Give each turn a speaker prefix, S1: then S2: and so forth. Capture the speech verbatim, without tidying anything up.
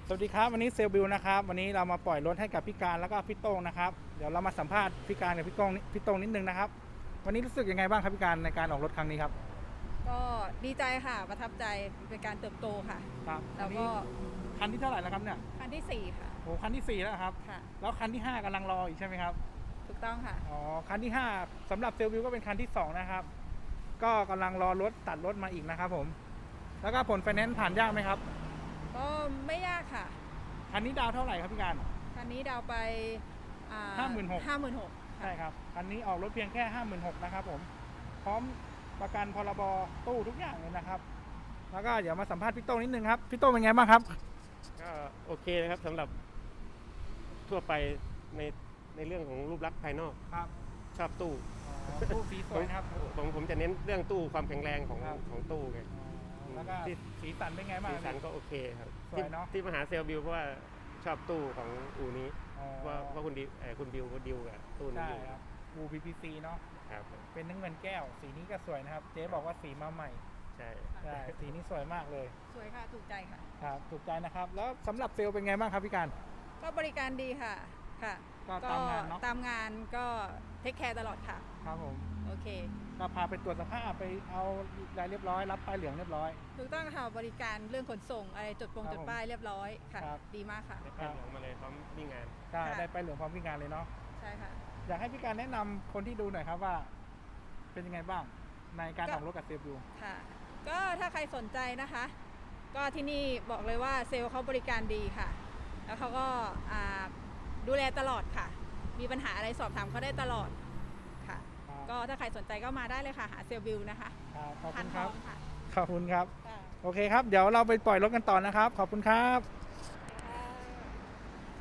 S1: สวัสดีครับวันนี้เซลบิวนะครับวันนี้เรามาปล่อยรถให้กับพี่การแล้วก็พี่โต้งนะครับเดี๋ยวเรามาสัมภาษณ์พี่การกับพี่โต้งพี่โต้งนิดนึงนะครับวันนี้รู้สึกยังไงบ้างครับพี่การในการออกรถครั้งนี้ครับ
S2: ก็ดีใจค่ะประทับใจเป็นการเติบโตค่ะ
S1: ครับ
S2: แล้วก็
S1: คันที่เท่าไหร่แล้วครับเนี่ย
S2: คันที่สี่ค่ะ
S1: โอ้คันที่สี่แล้วครับ
S2: ค่ะ
S1: แล้วคันที่ห้ากำลังรออีกใช่ไหมครับ
S2: ถูกต้องค่ะ
S1: อ๋อคันที่ห้าสำหรับเซลบิวก็เป็นคันที่สองนะครับก็กำลังรอรถตัดรถมาอีกนะครับผมแล้วก็ผลไฟแนนซ์ผ่านยากไหมครับ
S2: ก็ไม่ยากค่ะ
S1: คันนี้ดาวเท่าไหร่ครับพี่การ
S2: คันนี้ดาวไป
S1: ห้าหมื่นหก
S2: ห้าหมื่นหก
S1: ใช่ครับคันนี้ออกรถเพียงแค่ห้าหมื่นหกนะครับผมพร้อมประกันพรบตู้ทุกอย่างเลยนะครับแล้วก็เดี๋ยวมาสัมภาษณ์พี่โต้งนิดนึงครับพี่โต้งเป็นไงบ้างครับ
S3: ก็โอเคนะครับสำหรับทั่วไปในในเรื่องของรูปลักษณ์ภายนอก
S1: ครับ
S3: ชอบตู้
S1: ตู้สีสวยนะครับ
S3: ผมผมจะเน้นเรื่องตู้ความแข็งแรงของของตู้ไง
S1: แล้วก็สีสันเป็นไงบ้าง
S3: สีสันก็โอเคครับ
S1: สวยเนาะ
S3: ที่มาหาเซลบิวเพราะว่าชอบตู้ของอูนี้ว่าว่าคุณดิวคุณบิวคุณดิวกับตู้นี้อยู่
S1: ครับอู พี พี ซี เนาะ
S3: ครับ
S1: เป็นน้ำเงินแก้วสีนี้ก็สวยนะครับเจ๊บอกว่าสีมาใหม่
S3: ใช่
S1: ใช่สีนี้สวยมากเลย
S2: สวยค่ะถูกใจค่ะ
S1: ครับถูกใจนะครับแล้วสำหรับเซลเป็นไงบ้างครับพี่การ
S2: ก็บริการดีค่ะค่ะ
S1: ก็ตามงานเนาะ
S2: ตามงานก็เทคแคร์ตลอดค่ะ
S1: ครับผม
S2: โอเค
S1: ก็พาไปตรวจสภาพไปเอารายเรียบร้อยรับป้ายเหลืองเรียบร้อย
S2: ถูกต้องค่ะบริการเรื่องขนส่งอะไรจดปงจดป้ายเรียบร้อยค่ะดีมากค่ะ
S3: ได้ป้ายเหลืองมาเลยพร้อมวิ่งงาน
S1: ใช่ได้ป้ายเหลืองพร้อมวิ่งงานเลยเนาะ
S2: ใช่ค่ะ
S1: อยากให้พี่การแนะนำคนที่ดูหน่อยครับว่าเป็นยังไงบ้างในการออกรถกับเซลบิว
S2: ค่ะก็ถ้าใครสนใจนะคะก็ที่นี่บอกเลยว่าเซลล์เขาบริการดีค่ะแล้วเขาก็ดูแลตลอดค่ะมีปัญหาอะไรสอบถามเขาได้ตลอดค่ะก็ถ้าใครสนใจก็มาได้เลยค่ะหาเซลล์บิวนะคะ
S1: ขอบคุณครับ
S2: ค่ะ
S1: ขอบคุณครับโอเคครับเดี๋ยวเราไปปล่อยรถกันต่อนะครับขอบคุณครับ